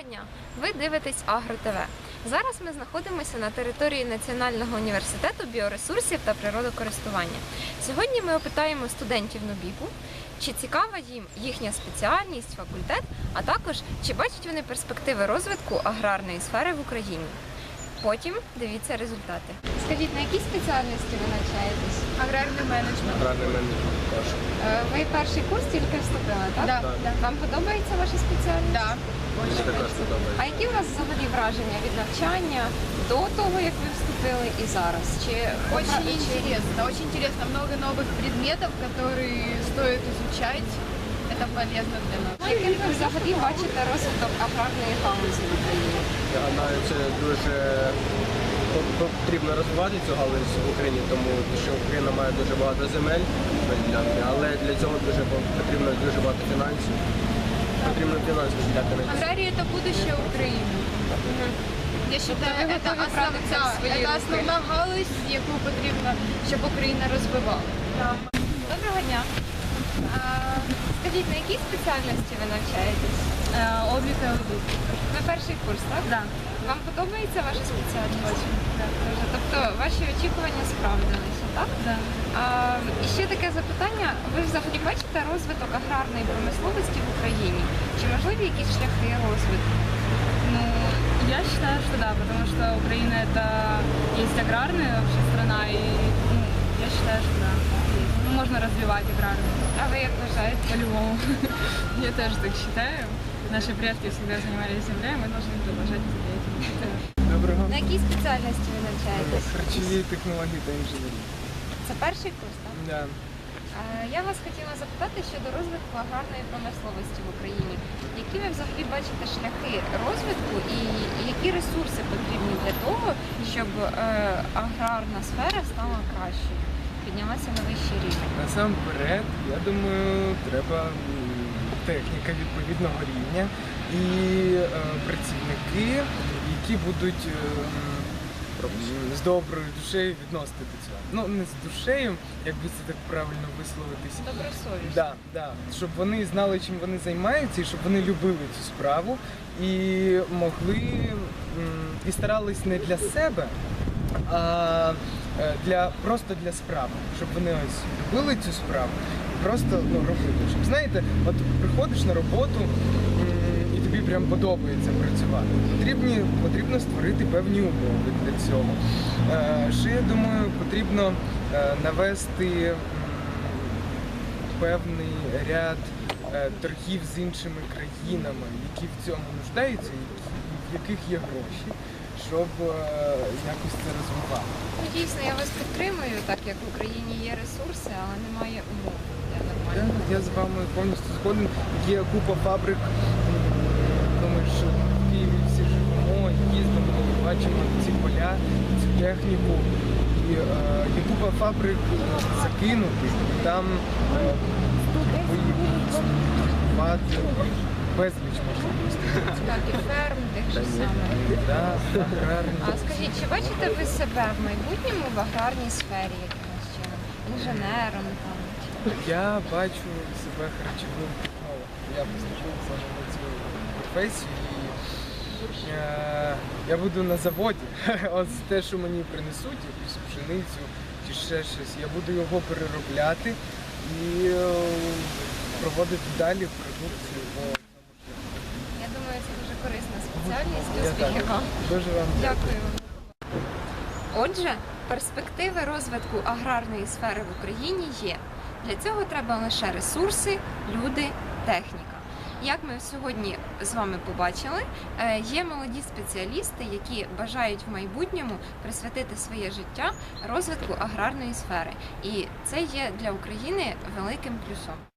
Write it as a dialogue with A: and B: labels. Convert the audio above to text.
A: дня! Ви дивитесь Агро ТВ. Зараз ми знаходимося на території Національного університету біоресурсів та природокористування. Сьогодні ми опитаємо студентів НУБІПу, чи цікава їм їхня спеціальність, факультет, а також чи бачать вони перспективи розвитку аграрної сфери в Україні. Потім дивіться результати. Скажіть, на якій спеціальності ви навчаєтесь?
B: Аграрний менеджмент.
C: Аграрний менеджмент теж.
A: Ви перший курс тільки вступили, так?
B: Да,
C: Так.
B: да.
A: Вам подобається ваша спеціальність?
B: Да.
C: Мені також
A: А
C: подобається.
A: які у вас взагалі враження від навчання до того, як ви вступили, і зараз?
B: Очень интересно. Очень интересно. Много новых предметов, которые стоит изучать. Это полезно для нас.
A: Яким ви взагалі бачите розвиток аграрної галузі в Україні?
C: Я гадаю, це дуже потрібно розвивати цю галузь в Україні, тому що Україна має дуже багато земель, але для цього потрібно дуже багато фінансів. Потрібно фінансів взяти на це.
B: Агрария – это будущее Украины. Я считаю,
A: ви
B: это
A: готові брати це в свої руки?
B: основна галузь, яку потрібно, щоб Україна розвивала.
A: Доброго дня. Скажіть, на якій спеціальності ви навчаєтесь?
B: Облік і аудит.
A: Ви перший курс, так?
B: Да.
A: Вам подобається ваша спеціальність? Дуже. Тобто ваші очікування справдилися, так?
B: Да.
A: І ще таке запитання. Ви взагалі бачите розвиток аграрної промисловості в Україні? Чи можливі якісь шляхи розвитку?
D: Ну, я считаю, что да, потому что Украина это есть аграрная вообще страна, и я считаю, что да, ну, можно развивать аграрную
A: А ви як вважаєте?
D: по-любому. Я тоже так считаю. Наши предки всегда занимались землей, мы должны продолжать это делать.
E: Доброго.
A: На якій спеціальності ви навчаєтесь?
E: Харчові технології та інженерії.
A: Це перший курс, так?
E: Да.
A: Я вас хотіла запитати щодо розвитку аграрної промисловості в Україні. Які ви взагалі бачите шляхи розвитку і які ресурси потрібні для того, щоб аграрна сфера стала кращою, піднялася на вищий рівень?
E: Насамперед, я думаю, треба техніка відповідного рівня і працівники, які будуть з доброю душею відносити до цього. Ну, не з душею, як би це так правильно висловитись.
A: Добросовісно.
E: Да, да. Щоб вони знали, чим вони займаються, і щоб вони любили цю справу і могли і старались не для себе, а просто для справи. Щоб вони ось любили цю справу і просто робили. Щоб, знаєте, от приходиш на роботу і тобі прям подобається працювати. Потрібно створити певні умови для цього. Ще, я думаю, потрібно навести певний ряд торгів з іншими країнами, які в цьому нуждаються, в яких є гроші, щоб якось це розвивати.
A: Ну, дійсно, я вас підтримую, так як в Україні є ресурси, але немає умов для нормального.
E: Я з вами повністю згоден. Є купа фабрик, ми ж в Києві всі живемо, їздимо, бачимо ці поля, цю техніку. І є купа фабрик закинутих, і там торгувати безліч можливостей.
A: Так, і ферм, тих же самих.
E: Да, аграрні.
A: А скажіть, чи бачите ви себе в майбутньому в аграрній сфері якимось чином? Інженером там?
E: Я бачу себе харчовим технологом. Я поступив саме на цю професію і я буду на заводі. Ось те, що мені принесуть, якусь пшеницю чи ще щось, я буду його переробляти і проводити далі продукцію по цьому шляху.
A: Я думаю, це дуже корисна спеціальність.
E: Я
A: Успіхів
E: так.
A: вам.
E: Дуже вам
A: Дякую вам. Отже, перспективи розвитку аграрної сфери в Україні є. Для цього треба лише ресурси, люди, техніка. Як ми сьогодні з вами побачили, є молоді спеціалісти, які бажають в майбутньому присвятити своє життя розвитку аграрної сфери. І це є для України великим плюсом.